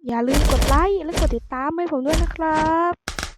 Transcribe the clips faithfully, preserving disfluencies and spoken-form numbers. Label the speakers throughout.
Speaker 1: อย่าลืมกดไลค์และกดติดตามให้ผมด้วยนะครับ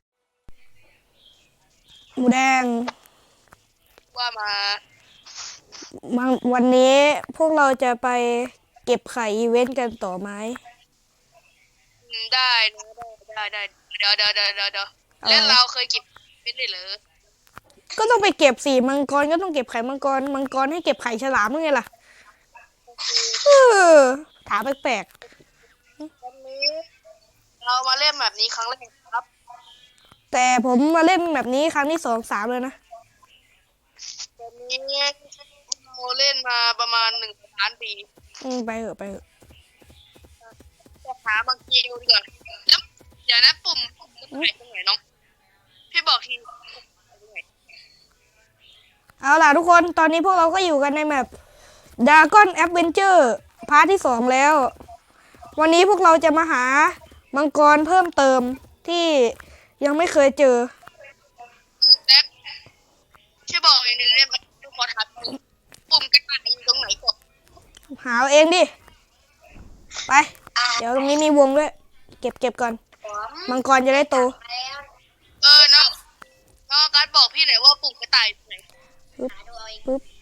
Speaker 2: หมูแดง
Speaker 3: ว่ามา
Speaker 2: มาวันนี้พวกเราจะไปเก็บไข่อีเวนต์กันต่อไหม
Speaker 3: อืมได้นะได้ได้ได้เดี๋ยวเดี๋ยวเดี๋ยวเดี๋ยวเดี๋ยวแล้วเราเคยเก็บเป็นได้เหรอ
Speaker 2: ก็ต้องไปเก็บสี่มังกรก็ต้องเก็บไข่มังกรมังกรให้เก็บไข่ฉลามยังไงล่ะเออถามแปลก
Speaker 3: วันนี้เรามาเล่นแบบนี้ครั้งแรกครับ
Speaker 2: ๆแต่ผมมาเล่นแบบนี้ครั้งที่สองสามเลยนะ
Speaker 3: วันนี้เราเล่นมาประมาณหนึ่งล้านปี
Speaker 2: อืมไปเถอะไปเถอะ
Speaker 3: จะหาบางทีดูดีกว่าแล้วเดี๋ยวนะปุ่มปุ่มตรงไหนตรงไหนน้องพี่บอกทีตรงไหน
Speaker 2: เอาล่ะทุกคนตอนนี้พวกเราก็อยู่กันในแมป Dragon Adventure พาร์ทที่สองแล้ววันนี้พวกเราจะมาหามังกรเพิ่มเติมที่ยังไม่เคยเจอ
Speaker 3: แซคช่วยบอกอีกหนึ่งเนี่ยมันขอถามปุ่มปุ่มกระต่ายอยู่ตรงไหนก่อน
Speaker 2: หาเอาเองดิไปเดี๋ยวตรงนี้มีวงด้วยเก็บเก็บก่อนมังกรจะได้โต
Speaker 3: เออน้องน้องการบอกพี่หน่อยว่าปุ่มกระต่ายอยู่ไหน
Speaker 2: ปึ๊บปึ๊บ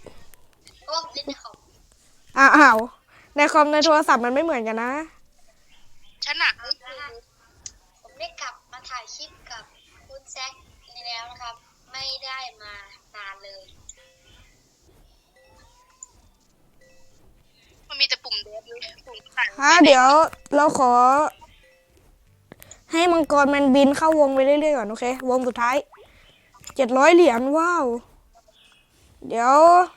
Speaker 2: อ้าวในคอมในโทรศัพท์มันไม่เหมือนกันนะ
Speaker 3: ฉันหนัก
Speaker 4: ผมได้กลับมาถ่ายคลิปกับคุณแซคนี่แล้วนะครับไม่ได้มานานเลย
Speaker 3: มันมีแต่ปุ่มเดฟเลยปุ่มกระต่าย
Speaker 2: ฮะเดี๋ยวเราขอให้มังกรมันบินเข้าวงไปเรื่อยๆก่อนโอเควงสุดท้ายเจ็ดร้อยเหรียญว้าวเดี๋ยว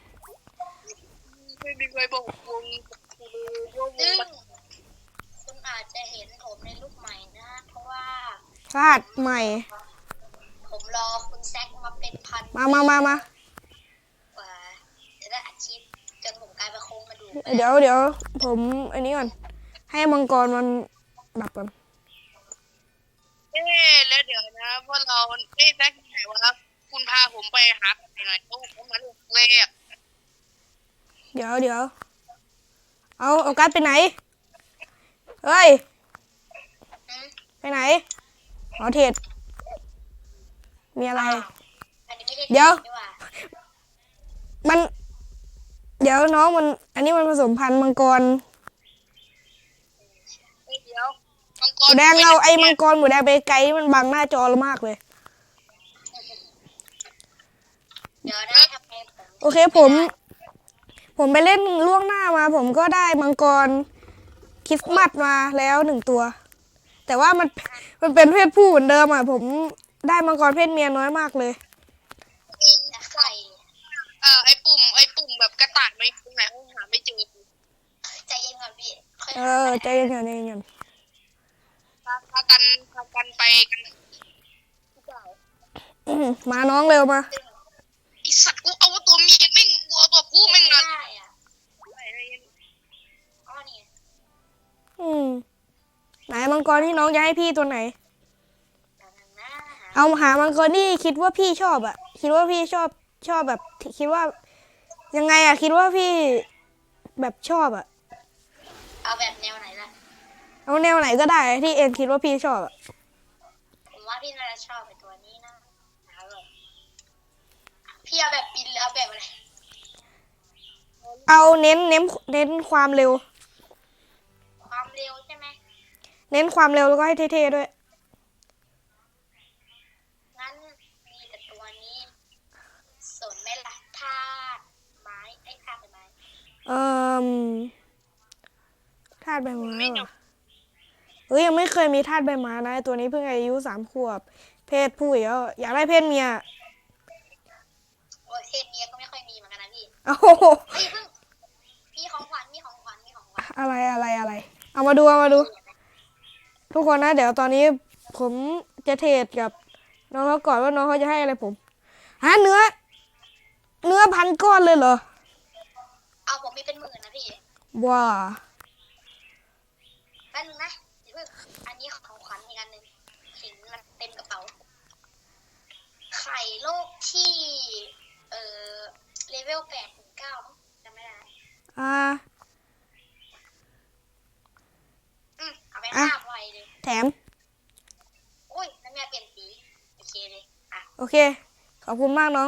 Speaker 3: ไม่มีใครบอกวงวง
Speaker 4: ซึ่งคุณอาจจะเห็นผมในรูปใหม่นะเพราะว่า
Speaker 2: พลาดใหม่
Speaker 4: ผมรอคุณแซคมาเป็นพัน
Speaker 2: มามามามา
Speaker 4: กว่าจะได้อาชีพจนผมกลายเป็นโครงกระดูก
Speaker 2: เดี๋ยวเดี๋ยวผมอันนี้ก่อนให้มังกรมันดับก่อน
Speaker 3: เอ๊ะแล้วเดี๋ยวนะว่าเราเอ๊ะแซคไหนวะคุณพาผมไปหาใครหน่อยโอ้ผมมาเลือกเลข
Speaker 2: เดี๋ยวเดี๋ยวเอาเอาการ์ดไปไหนเฮ้ยไปไหนหอเทศมีอะไรเดี๋ยวมันเดี๋ยวน้องมันอันนี้มันผสมพันธุ์มังกร
Speaker 3: เดี๋ยวมังก
Speaker 2: หมู
Speaker 3: ร
Speaker 2: แดงเราไอ้มังกรหมูแดงไปไกลมันบังหน้าจอเรามากเลย
Speaker 4: เดี๋ยวได้ทำไมผม
Speaker 2: โอเคผมผมไปเล่นล่วงหน้ามาผมก็ได้มังกรคริสต์มาสมาแล้วหนึ่งตัวแต่ว่ามันมันเป็นเพศผู้เหมือนเดิมอ่ะผมได้มังกรเพศเมียน้อยมากเลย
Speaker 4: กินไข่
Speaker 3: เอ่อไอปุ่มไอปุ่มแบบกระต่ายไม่ตรงไหนหาไม่เจอ
Speaker 4: ใจเย็นก่อนพี่
Speaker 2: เออใจเย็นๆใจเย็น
Speaker 3: พาพากันพากันไปกัน
Speaker 2: ๆมาน้องเร็วมา
Speaker 3: ไอสัตว์กูเอาตัวเมียแม่งกูเอาตัวผู้แม่งมา
Speaker 4: ได้อ่ะอ๋อนี่
Speaker 2: อืมไหนมังกรที่น้องจะให้พี่ตัวไหนเอาหามังกรที่คิดว่าพี่ชอบอ่ะคิดว่าพี่ชอบชอบแบบคิดว่ายังไงอ่ะคิดว่าพี่แบบชอบอ่ะ
Speaker 4: เอาแบบแนวไหนล่ะ
Speaker 2: เอาแนวไหนก็ได้ที่เอ็นคิดว่าพี่ชอบอ่ะ
Speaker 4: ผมว่าพี่น่าจะชอบไอ้ตัวนี้นะเอาเลยพี่เอาแบบบินหรือเอาแบบอะไร
Speaker 2: เอาเน้นเน้นเน้นความเร็ว
Speaker 4: ความเร็วใช่ไหม
Speaker 2: เน้นความเร็วแล้วก็ให้เท่ๆด้วย
Speaker 4: งั้นมีแต่ตัวนี้สนไหมล่ะธาตุไม้ไอ้ธาตุไม้
Speaker 2: เอ่อธาตุใบไม้เฮ้ยยังไม่เคยมีธาตุใบไม้นะตัวนี้เพิ่งอายุสามขวบเพศผู้แล้วอยากได้เพศเมีย
Speaker 4: โอ้เพศเมียก็ไม่ค่อยมีเหมือนกันนะพี่
Speaker 2: โอ้โห
Speaker 4: เฮ้ยเพิ่งมีของขวัญมีของขวัญมีของขวัญ
Speaker 2: อะไรอะไรอะไรเอามาดูเอามาดูทุกคนนะเดี๋ยวตอนนี้ผมจะเทรดกับน้องเขาก่อนว่าน้องเขาจะให้อะไรผมฮะเนื้อเนื้อพันก้อนเลยเหรอ
Speaker 4: เอาผมมีเป็นหมื่นนะพี่
Speaker 2: ว้า
Speaker 4: แป๊บนึงนะเดี๋ยวเพิ่งอันนี้ของขวัญอีกอันหนึ่งขิงมันเต็มกระเป๋าไข่โลกที่เอ่อเลเวลแปดถึงเก้าจำไม่ได้
Speaker 2: อ่า
Speaker 4: อืมเอาไปห้าไว้
Speaker 2: ม
Speaker 4: อุ้ยน้ำยาเปลี่ยนสีโอเคเลยอ่ะ
Speaker 2: โอเค ขอบคุณมากน้อง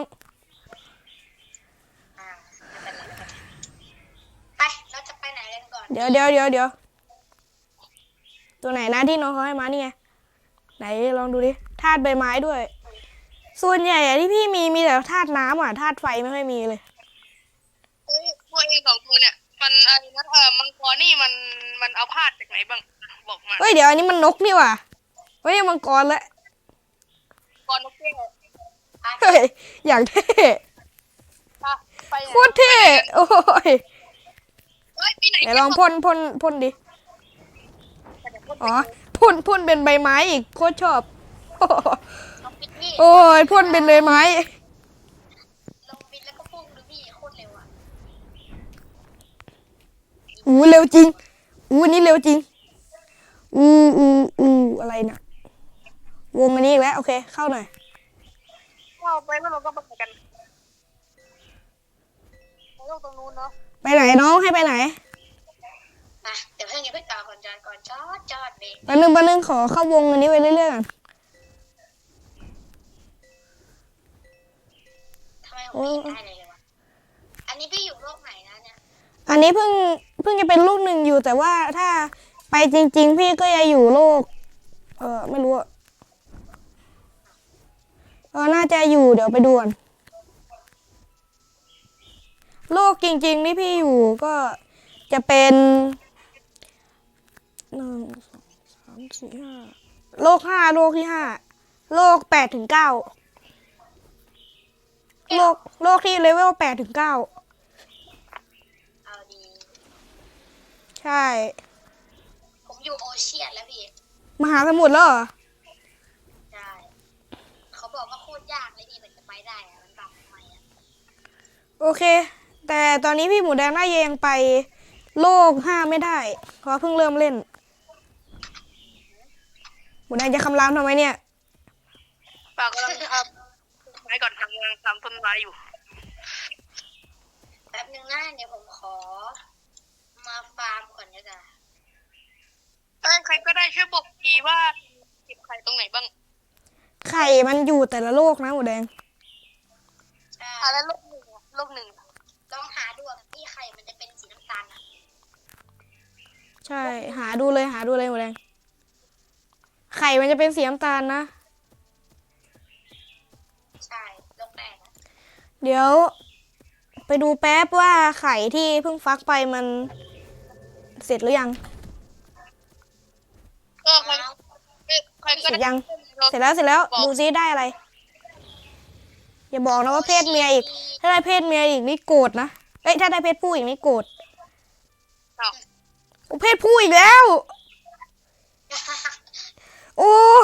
Speaker 4: อ่าไม่เป็นไรไม่เป็นไรไปเราจะไปไหนกันก่อน
Speaker 2: เดี๋ยวเดี๋ยวเดี๋ยวเดี๋ยวตัวไหนนะที่น้องเขาให้มานี่ไง ไหนลองดูดิธาตุใบไม้ด้วย ส่วนใหญ่อะที่พี่มีมีแต่ธาตุน้ำอ่ะธาตุไฟไม่ค่อยมีเลย
Speaker 3: เฮ้ยพวกเองสองตัวเนี่ยมันอะไรนะเออมังกรนี่มันมันเอาพาดจากไหนบ้างบอกมา
Speaker 2: เฮ้ยเดี๋ยวอันนี้มันนกนี่ว่ะไม่ใช่มังกรแล้ว
Speaker 3: ก่อนนกแก้ว
Speaker 2: เฮ้ยอย่างเท่
Speaker 3: อ่ะไปไหน
Speaker 2: โคตรเท่โอ้ย
Speaker 3: เฮ้ยไปไหน
Speaker 2: ไหนลองพ่นพ่นพ่นดิอ๋อพ่นพ่นเป็นใบไม้อีกโคตรชอบ โอ้โห
Speaker 4: ลองปิดนี่
Speaker 2: โอ้ยพ่นเป็นใบไม้
Speaker 4: ลองปิดแล้วก็พุ่งดูพี่โคตรเร็วอ่ะ
Speaker 2: อู้เร็วจริงอู้นี่เร็วจริงอู้อู้อู้อะไรน่ะวงอันนี้อีกแล้วโอเคเข้าหน่อย
Speaker 3: เข้าไปแล้วเราก็ไปกันไปโลกตรงนู้นเนาะ
Speaker 2: ไปไหนน้องให้ไปไหน
Speaker 4: มาเดี๋ยวเพื่อนอย่าเพิ่งต่อก่อนจอดก่อนจอดจอดเบรก
Speaker 2: แป๊บนึงแป๊บนึงขอเข้าวงอันนี้ไปเรื่อยๆก่อน
Speaker 4: ทำไมผมไม่เห็นได้เลยเลยวะอันนี้พี่อยู่โลกไหนนะเนี่ย
Speaker 2: อันนี้เพิ่งเพิ่งจะเป็นลูกหนึ่งอยู่แต่ว่าถ้าไปจริง ๆ พี่ก็จะอยู่โลก เออไม่รู้อะเออน่าจะอยู่เดี๋ยวไปดูก่อนโลกจริงๆที่พี่อยู่ก็จะเป็นหนึ่งสองสามสี่ห้าโลกห้าโลกที่ห้าโลกแปดถึงเก้าโลกโลกที่เลเวลแปดถึงเก้า
Speaker 4: เอาดี
Speaker 2: ใช่
Speaker 4: ผมอยู่โอเชียนแล้วพี่
Speaker 2: มหาสมุทรแล้วเหรอ
Speaker 4: ใช่เขาบอกว่าโคตรยากเลยพี่มันจะไปได้อะมันแบบทำไมอะ
Speaker 2: โอเค แต่ตอนนี้พี่หมูแดงน่าจะยังไปโลกห้าไม่ได้ เพราะเพิ่งเริ่มเล่น หมูแดงจะคำรามทำไมเนี่ย
Speaker 3: ฝากกำลังทำไม้ก่อนทำกำลังทำต้นไม้อยู่
Speaker 4: แป๊บนึงนะเดี๋ยวผมขอ มาฟาร์มก่อนดีกว่า
Speaker 3: เอ้ยใครก็ได้ช่วยบอกทีว่าเก็บไข่ตรงไหนบ้าง
Speaker 2: ไข่มันอยู่แต่ละโลกนะหมูแดง
Speaker 4: ใช่
Speaker 3: อ่ะแล้วโลกหนึ่งอะโลกหนึ่งอะ
Speaker 4: ลองหาดูอะพี่ไข่มันจะเป็นสีน้ำตาลอะ
Speaker 2: ใช่ หาดูเลยหาดูเลยหมูแดง ไข่มันจะเป็นสีน้ำตาลนะ
Speaker 4: ใช่โลกแรกอะ
Speaker 2: เดี๋ยว ไปดูแป๊บว่าไข่ที่เพิ่งฟักไปมันเสร็จหรือยัง
Speaker 3: เออใครเอ้ยใครก็
Speaker 2: เสร็จ
Speaker 3: ได้
Speaker 2: ยัง เสร็จแล้วเสร็จแล้วดูซิได้อะไร อย่าบอกนะว่าเพศเมียอีก ถ้าได้เพศเมียอีกนี่โกรธนะ เอ้ยถ้าได้เพศผู้อีกนี่โกรธ
Speaker 3: อ้าว
Speaker 2: โอ้เพศผู้อีกแล้ว โอ้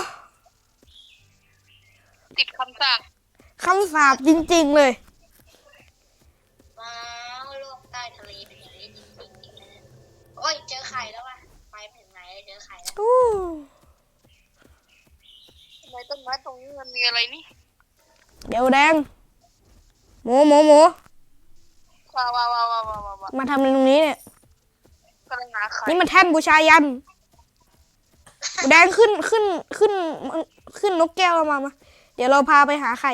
Speaker 3: ติดคำสาป
Speaker 2: คำสาปจริงๆเลย
Speaker 4: ว้าวโลกใต้ทะเลเป็นอย่างนี้จริงๆนะโอ้ยเจอไข่แล้วว่ะไปไม่ถึงไหนเลยเจอไข่แล้ว
Speaker 2: อู้
Speaker 3: ทำไมต้นไม้ตรงนี้มันมีอะไรนี่
Speaker 2: เดี๋ยวแดง หมูหมูหมู
Speaker 3: ว้าวว้าวว้าวว้าวว้าวว้าว
Speaker 2: มาทำอะไรตรงนี้เนี่ย
Speaker 3: กำลังหาไข่
Speaker 2: นี่มันแท่นบูชายันหมูแดงขึ้นขึ้นขึ้นขึ้นนกแก้วเรามามา เดี๋ยวเราพาไปหาไข่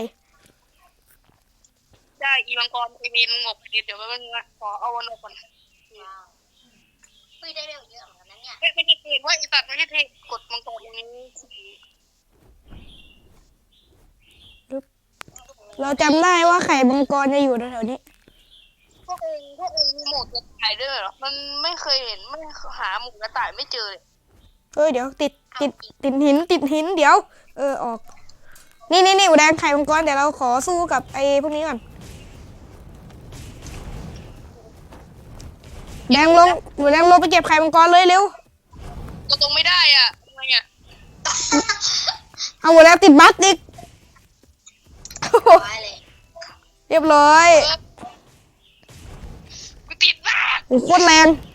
Speaker 3: ได้อีมังกรไอเวนงบเดี๋ยวแป๊บนึงนะขอเอาวันออกก่อน
Speaker 4: ว้าวเฮ้ยได้เร็วเยอะเหมือนกันนะเนี่ย
Speaker 3: เอ้ยไม่ใช่เทว่าไอสัตว์ไม่ใช่เทกดมังกรอย่างนี้
Speaker 2: เราจำได้ว่าไข่มังกรจะอยู่แถวๆนี้
Speaker 3: พวกเองพวกเองมีหมวกกระต่ายด้วยเหรอมันไม่เคยเห็นไม่หาหมวกกระต่ายไม่เจอเลย
Speaker 2: เอ้ยเดี๋ยวติดติดติดหินติดหินเดี๋ยว เออออก นี่นี่นี่หมูแดงไข่มังกรเดี๋ยวเราขอสู้กับไอ้พวกนี้ก่อนแดงลงหมูแดงลงไปเก็บไข่มังกรเลยเร็ว
Speaker 3: ก็ตรงไม่ได้อ่ะทำไมอ่ะ
Speaker 2: เอาหมูแดงติดบั๊กอีก
Speaker 4: ร้อยเลย
Speaker 2: เรียบร้อย
Speaker 3: เออกูติดมาก
Speaker 2: โอ้โหโคตรแรง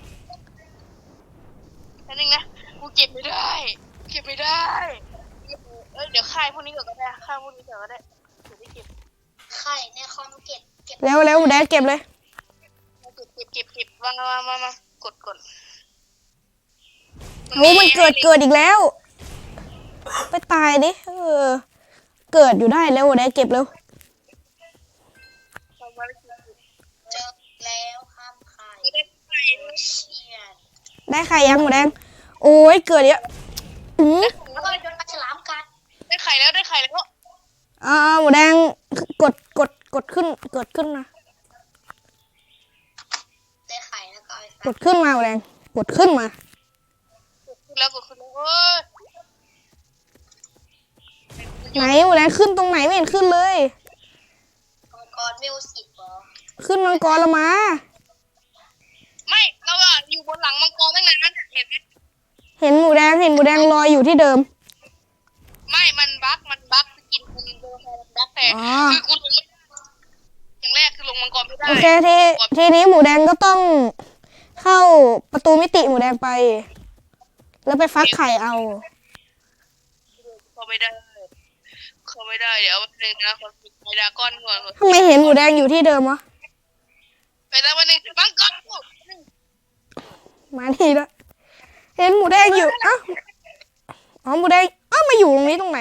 Speaker 3: อันนึงนะกูเก็บไม่ได้เก็บไม่ได้เอ้ยเดี๋ยวค่ายพวกนี้ก่อนก็ได้ค่ายพวกนี้ก่อนก็ได้เดี๋ยวได้เก็บ
Speaker 4: ไข่ในคอมเก็บเก็บ
Speaker 2: เร็วเร็วหมูแดงเก็บเลย
Speaker 3: เก็บเก็บเก็บเก็บวางมามามากดกด
Speaker 2: โอ้มันเกิดเกิดอีกแล้วไปตายดิเออเกิดอยู่ได้แล้วได้เก็บเร็ว
Speaker 3: ทำอะไรกิน
Speaker 4: เจอแล้วข้ามไข่
Speaker 3: ไม่ได้ไข่
Speaker 4: เชียน
Speaker 2: ได้ไข่ยังหมูแดงโอ้ยเกิดเยอะอืม
Speaker 4: แล้วก็โดนปลาฉลามกัด
Speaker 3: ได้ไข่แล้วได้ไข่แล้ว
Speaker 2: อ่าหมูแดงกดกดกดขึ้นเกิดขึ้นนะ
Speaker 4: ได้ไข่แล้วก็เอาไป
Speaker 2: กดขึ้นมาหมูแดงกดขึ้นมา
Speaker 3: ขึ้นแล้วก็ขึ้นแล้วเอ้ย
Speaker 2: ไหนหมูแดงขึ้นตรงไหนไม่เห็นขึ้นเลย
Speaker 4: มังกรมิวสิกเหรอ
Speaker 2: ขึ้นมังกรละมา
Speaker 3: ไม่เราอะอยู่บนหลังมังกรตั้งนานเห็นไหม
Speaker 2: เห็นหมูแดงเห็นหมูแดงลอยอยู่ที่เดิม
Speaker 3: ไม่มันบั๊กมันบั๊กสกินมันโดนมันบั๊กแต่
Speaker 2: อ๋อ
Speaker 3: คือกูลงอย่างแรกคือลงมังกรไม่ได้
Speaker 2: โอเคทีทีนี้หมูแดงก็ต้องเข้าประตูมิติหมูแดงไป แล้วไปฟักไข่เอา
Speaker 3: เขาไม่ได้เขาไม่ได้เดี๋ยววันหนึ่งนะคนปิดไมดาก้อนก่อน
Speaker 2: ทำไมเห็นหมูแดงอยู่ที่เดิมวะ
Speaker 3: ไปแล้ววันหนึ่งมังกร
Speaker 2: มาทีละเห็นหมูแดงอยู่อ้าวอ๋อหมูแดงอ้าวมาอยู่ตรงนี้ตรงไหน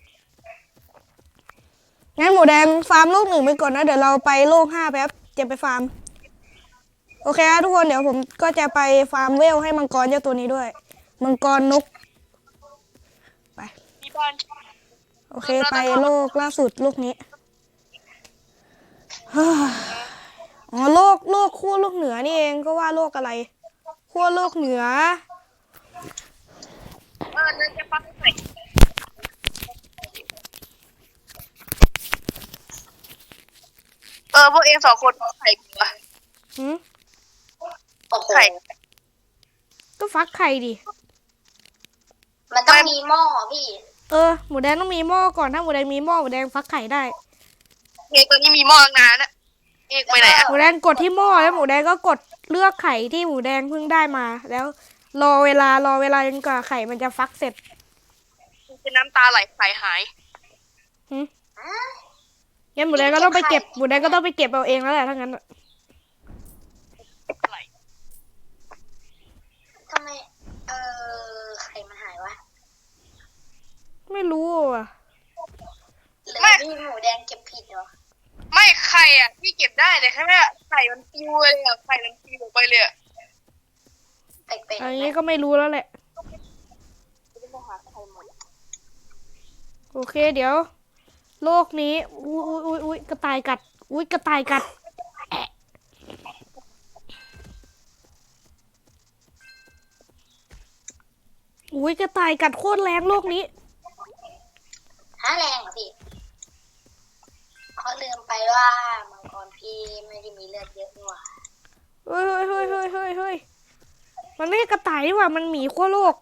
Speaker 2: งั้นหมูแดงฟาร์มโลกหนึ่งไปก่อนนะเดี๋ยวเราไปโลกห้าแป๊บจะไปฟาร์มโอเคนะทุกคนเดี๋ยวผมก็จะไปฟาร์มเวลให้มังกรเจ้าตัวนี้ด้วยมังกรนกไป
Speaker 3: ที่บ้าน
Speaker 2: โอเคไปโลกล่าสุดโลกนี้ฮ่าอ๋อโลกโลกขั้วโลกเหนือนี่เองก็ว่าโลกอะไรขั้วโลกเหนือ
Speaker 3: เออนั่นจะปักไข่เออพวกเองสองคนไข่กันวะ
Speaker 2: หืม
Speaker 4: โอ้โห
Speaker 3: ไข่
Speaker 2: ก็ฟักไข่ดิ
Speaker 4: มันต้องมีหม้อพี่
Speaker 2: เออหมูแดงต้องมีหม้อก่อนถ้าหมูแดงมีหม้อหมูแดงฟักไข่ได้
Speaker 3: เอกตัวนี้มีหม้อตั้งนานนะเอกไปไหนอะ
Speaker 2: หมูแดงกดที่หม้อแล้วหมูแดงก็กดเลือกไข่ที่หมูแดงเพิ่งได้มา แล้วรอเวลารอเวลาจนกว่าไข่มันจะฟักเสร็จ
Speaker 3: เป็นน้ำตาไหลไข่หาย
Speaker 2: หืมงั้นหมูแดงก็ต้องไปเก็บหมูแดงก็ต้องไปเก็บเอาเองแล้วแหละถ้างั้นอะ
Speaker 3: ไหล
Speaker 4: ทำไม เออไข่มันหายวะ
Speaker 2: ไม่รู้อ่ะ
Speaker 4: หรือพี่หมูแดงเก็บผิดเหรอ
Speaker 3: ไม่ไข่อ่ะพี่เก็บได้แต่แค่ว่าไข่มันปิวเลยอ่ะไข่มันปิวออกไปเลยอ่ะ
Speaker 4: แปลกๆ
Speaker 2: อัน
Speaker 4: ไหม
Speaker 2: นี้ก็ไม่รู้แล้วแหละ
Speaker 3: จะมาหาไข่หมด
Speaker 2: โอเคเดี๋ยว โลกนี้อุ้ยอุ้ยอุ้ยอุ้ยกระต่ายกัดอุ้ยกระต่ายกัดแอะอุ้ยกระต่ายกัดโคตรแรงโลกนี้
Speaker 4: หาแรงเหรอพี่เขาลืมไปว่ามังกรพี่ไม่ได้มีเลือดเยอะนี่หว่า
Speaker 2: เฮ้ยเฮ้ยเฮ้ยเฮ้ยเฮ้ยเฮ้ยมันไม่ใช่กระต่ายนี่หว่ามันหมีขั้วโลก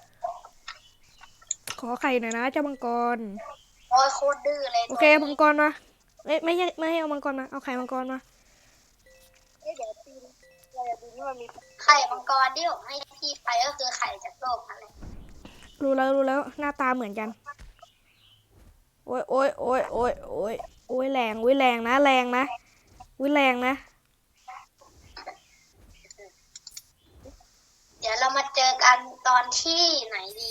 Speaker 2: ขอไข่หน่อยนะเจ้ามังกร
Speaker 4: โอ้ยโคตรดื้อเลย
Speaker 2: โอเคมังกรมาเอ้ยไม่ใช่ไม่ให้เอามังกรมาเอาไข่มังกรมา
Speaker 3: เอ้ยเดี๋ยวตีนเราอยากดูนี่มันมี
Speaker 4: ไข่มังกรที่ผมให้พี่ไปก็คือไข่จากโลกนั่นแหละ
Speaker 2: รู้แล้วรู้แล้วหน้าตาเหมือนกัน โอ้ยโอ้ยโอ้ยโอ้ยโอ้ยโอ้ยแรงโอ้ยแรงนะแรงนะโอ้ยแรงนะ
Speaker 4: เดี๋ยวเรามาเจอกันตอนที่ไหนดี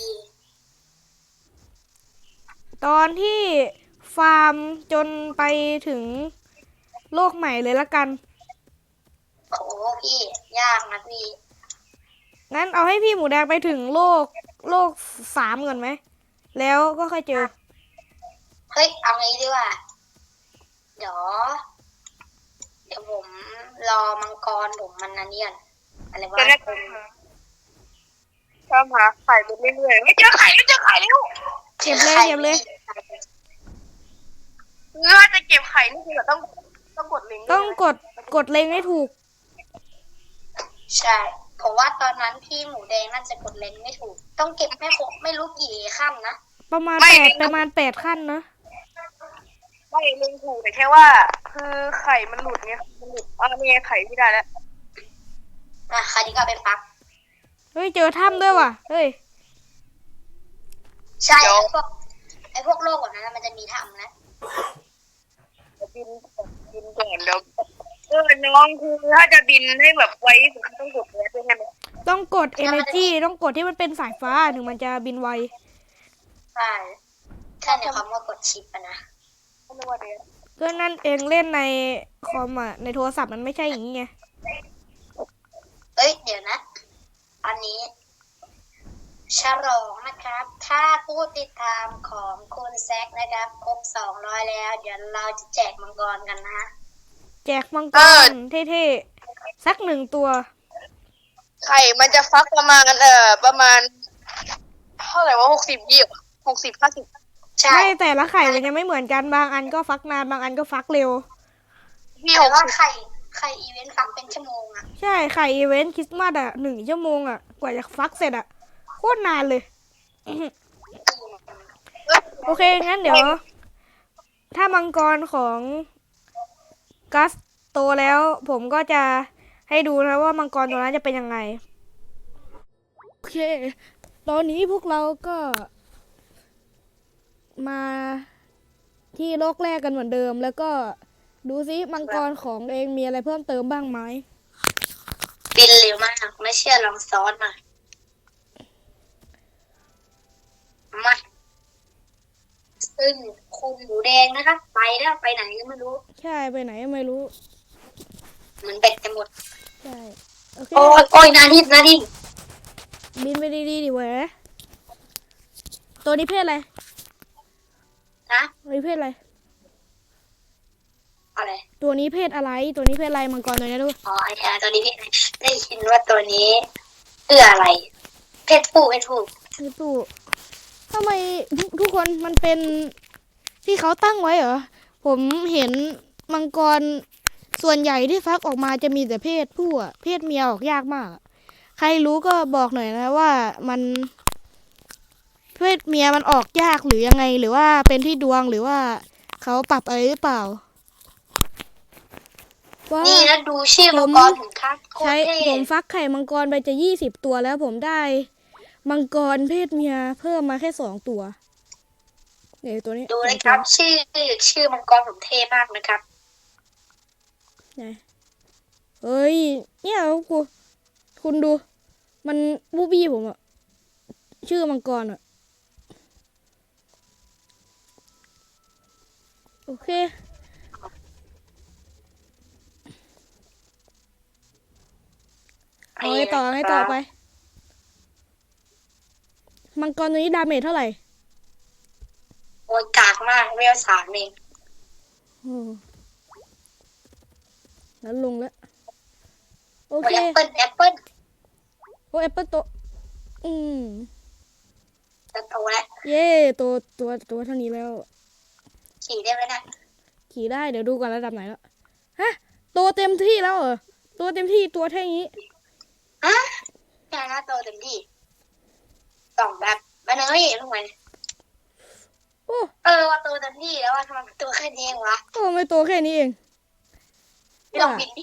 Speaker 2: ตอนที่ฟาร์มจนไปถึงโลกใหม่เลยละกัน
Speaker 4: โอ้โหพี่ยากนะพี่
Speaker 2: งั้นเอาให้พี่หมูแดงไปถึงโลกโลกสามก่อนไหม แล้วก็ค่อยเจอ
Speaker 4: เฮ้ยเอางี้ดีกว่าเดี๋ยวเดี๋ยวผมรอมังกรผมมันนันเนียนอะไรวะ
Speaker 3: จะได้ตามหาไข่ไปเรื่อยๆไม่เจอไข่ไม่เจอไข่แล้ว
Speaker 2: เก็บเลยเก็บเลย
Speaker 3: เมื่อจะเก็บไข่นี่คือต้องต้องกดลิงก์
Speaker 2: ต้องกดกดเล็งให้ถูก
Speaker 4: ใช่ผมว่าตอนนั้นพี่หมูแดงน่าจะกดเลนไม่ถูก ต้องเก็บไม่ครบไม่รู้กี่ขั้นนะ
Speaker 2: ประมาณแปดประมาณแปดขั้นนะ
Speaker 3: ไม่ลิงก์ถูกแต่แค่ว่า คือไข่มันหลุดไงมันหลุดอ๋อนี่ไงไข่พี่ได้แล้ว
Speaker 4: อ่ะคราวนี้ก็ไปปัก
Speaker 2: เฮ้ยเจอถ้ำด้วยว่ะ เฮ้ย
Speaker 4: ใช่ไอ้พวกไอ้พวกโลกแบบนั้นนะมันจะมีถ้ำนะ
Speaker 3: บินบินก่อนเดี๋ยวเออน้องคือถ้าจะบินให้แบบไวที่สุดต้องกดแรดด้วยใช่ไหม
Speaker 2: ต้องกด energy ต้องกดที่มันเป็นสายฟ้าถึงมันจะบินไว
Speaker 4: ใช่ถ้าในความว่ากดชิปอะนะ
Speaker 3: ไม่รู้ว่าเดี๋ยว
Speaker 2: ก็นั่นเองเล่นในคอมอ่ะในโทรศัพท์มันไม่ใช่อย่างนี้ไง
Speaker 4: เอ้ยเดี๋ยวนะ อันนี้ฉลองนะครับ ถ้าผู้ติดตามของคุณแซกนะครับครบสองร้อยแล้ว เดี๋ยวเราจะแจกมังกรกันนะ
Speaker 2: แจกมังกรเท่ๆสักหนึ่งตัว
Speaker 3: ไข่มันจะฟักประมาณเอ่อประมาณเท่าไหร่ว่าหกสิบยี่หกสิบห้าสิบ
Speaker 4: ใช่
Speaker 2: ไม่แต่ละไข่มันยังไม่เหมือนกันบางอันก็ฟักนานบางอันก็ฟักเร็ว
Speaker 3: พี่
Speaker 4: แต่
Speaker 3: หก
Speaker 4: ว่า
Speaker 3: สิบ
Speaker 4: ไข่ไข่อีเวนต์ฟังเป็นชั่วโมงอะ
Speaker 2: ใช่ไข่อีเวนต์คริสต์มาสอ่ะหนึ่งชั่วโมงอ่ะกว่าจะฟักเสร็จอ่ะโคตรนานเลย โอเค งั้นเดี๋ยว ถ้ามังกรของกัสโตแล้ว ผมก็จะให้ดูนะว่ามังกรตัวนั้นจะเป็นยังไง โอเค ตอนนี้พวกเราก็มาที่โลกแรกกันเหมือนเดิม แล้วก็ดูซิมังกรของเองมีอะไรเพิ่มเติมบ้างไหม
Speaker 4: บินเร็วมากไม่เชื่อลองซ้อนหน่อยมาซึ่งคุณหมูแดงนะคะไปแล้วไปไหนก็ไม่รู้
Speaker 2: ใช่ไปไหนไม่รู้
Speaker 4: เหมือนเบ็ดจะหมด
Speaker 2: ใช่ โอเค
Speaker 4: โอ้ยโอ้ยนาดิบนาดิบ
Speaker 2: บินไปดีๆดิเว้ยตัวนี้เพศอะไร
Speaker 4: นะ
Speaker 2: ตัวนี้เพศอะไร
Speaker 4: อะไร
Speaker 2: ตัวนี้เพศอะไร ตัวนี้เพศอะไรมังกรตัวนี้ดู
Speaker 4: อ๋อไอ้แอร์ตัวนี้พี่ได้ยินว่าตัวนี้เพื่ออะไร เพศผู้เพศผู้
Speaker 2: คือตู้ทำไมทุกทุกคนมันเป็นที่เขาตั้งไว้เหรอ ผมเห็นมังกรส่วนใหญ่ที่ฟักออกมาจะมีแต่เพศผู้อะเพศเมียออกยากมากอะใครรู้ก็บอกหน่อยนะว่ามันเพศเมียมันออกยากหรือยังไง หรือว่าเป็นที่ดวงหรือว่าเขาปรับอะไรหรือเปล่าว่า
Speaker 4: นี่แล้วดูชื่อมังกรถึงครับโคต
Speaker 2: ใช้
Speaker 4: รเท่
Speaker 2: ผมฟักไข่มังกรไปจะยี่สิบตัวแล้วผมได้ มังกรเพศเมียเพิ่มมาแค่สองตัวเนี่ยตัวนี้
Speaker 4: ดูนะครับ ชื่อชื่อมังกรผมเท่มากนะครับ
Speaker 2: ไหนเฮ้ยเนี่ยกูคุณดู มันบูบี้ผมอะชื่อมังกรอะโอเคเอาไงต่อไงต่อไป มังกรตัวนี้ดาเมจเท่าไหร่
Speaker 4: โอ้ยกากมากเวลสามเอง
Speaker 2: โอ้แล้วลงแล้ว โอ
Speaker 4: โอ้
Speaker 2: เค
Speaker 4: ยแอปเปิ้ลแอปเปิ้ล
Speaker 2: โอ้แอปเปิลโตอืม
Speaker 4: จะโตแล้ว
Speaker 2: เย่ตัวตัวตัวเท่านี้แล้ว
Speaker 4: ขี่ได้ไหมนะ
Speaker 2: ขี่ได้เดี๋ยวดูก่อนระดับไหนแล้ว ฮะ ตัวเต็มที่แล้วเหรอ ตัวเต็มที่ตัวแค่นี้
Speaker 4: ฮะแค่นั้นโตเต็มที่สองแบบมาเนยลงไป
Speaker 2: โอ้
Speaker 4: เออว่าโตเต็มที่แล้วว่าทำไมตัวแค่นี้เองวะ
Speaker 2: โอ้ไม่ตัวแค่นี้เอง
Speaker 4: ไม่ลองบินดิ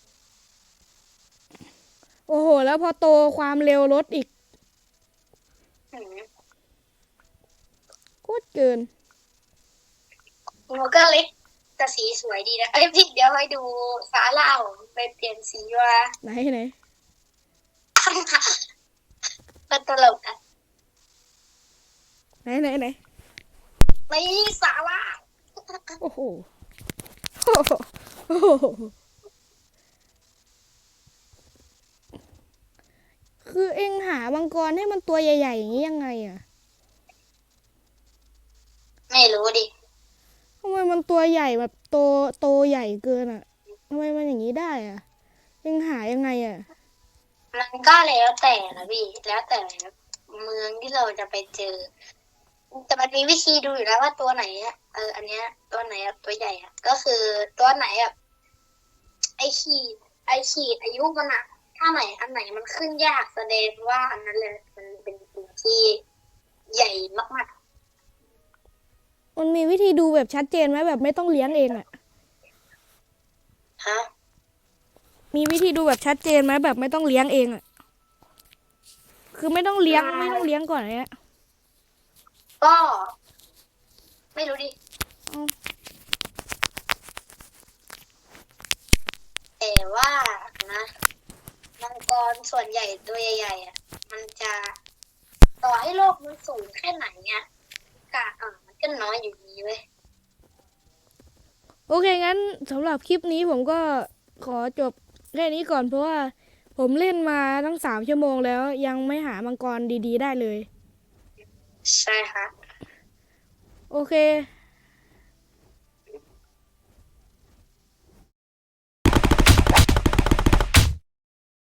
Speaker 2: โอ้โห แล้วพอโตความเร็วลดอีก
Speaker 4: หืม
Speaker 2: โคตรเกิน
Speaker 4: หัวก็เล็กแต่สีสวยดีนะเอ้ยพี่เดี๋ยวให้ดูซาล่าผมไปเปลี่ยนสีว่า
Speaker 2: ไหนไหน
Speaker 4: เป็นตลกอ่ะ
Speaker 2: ไหนไหนไหน
Speaker 4: ไม่ซาล่า
Speaker 2: โอ้โหโอ้โหโอ้โหคือเอ็งหามังกรให้มันตัวใหญ่ๆอย่างนี้ยังไงอะ
Speaker 4: ไม่รู้ดิ
Speaker 2: ทำไมมันตัวใหญ่แบบโตโตใหญ่เกินอะทำไมมันอย่างนี้ได้อะเอ็งหายังไงอะ
Speaker 4: มันก็แล้วแต่นะพี่แล้วแต่เมืองที่เราจะไปเจอ แต่มันมีวิธีดูอยู่แล้วว่าตัวไหนอ่ะเอออันเนี้ยตัวไหนอ่ะตัวใหญ่อ่ะก็คือตัวไหนอ่ะไอขีดไอขีดอายุมันอ่ะถ้าไหนอันไหนมันขึ้นยากแสดงว่าอันนั้นเลยมันเป็นตัวที่ใหญ่มาก
Speaker 2: มันมีวิธีดูแบบชัดเจนไหมแบบไม่ต้องเลี้ยงเองอะ
Speaker 4: ๆฮะ
Speaker 2: มีวิธีดูแบบชัดเจนไหมแบบไม่ต้องเลี้ยงเองอะคือไม่ต้องเลี้ยงไม่ต้องเลี้ยงก่อนเนี้ย
Speaker 4: ก็ ไม่รู้ดิ
Speaker 2: อืม
Speaker 4: แต่ว่านะมังกรส่วนใหญ่ตัวใหญ่ๆอ่ะมันจะต่อให้โลกมันสูงแค่ไหนเนี่ยกะอ่ะมันก็น้อยอยู่ดีเว้ย
Speaker 2: โอเคงั้นสำหรับคลิปนี้ผมก็ขอจบแค่นี้ก่อนเพราะว่าผมเล่นมาตั้งสามชั่วโมงแล้วยังไม่หามังกรดีๆได้เลย
Speaker 4: ใช่ฮะ
Speaker 2: โอเค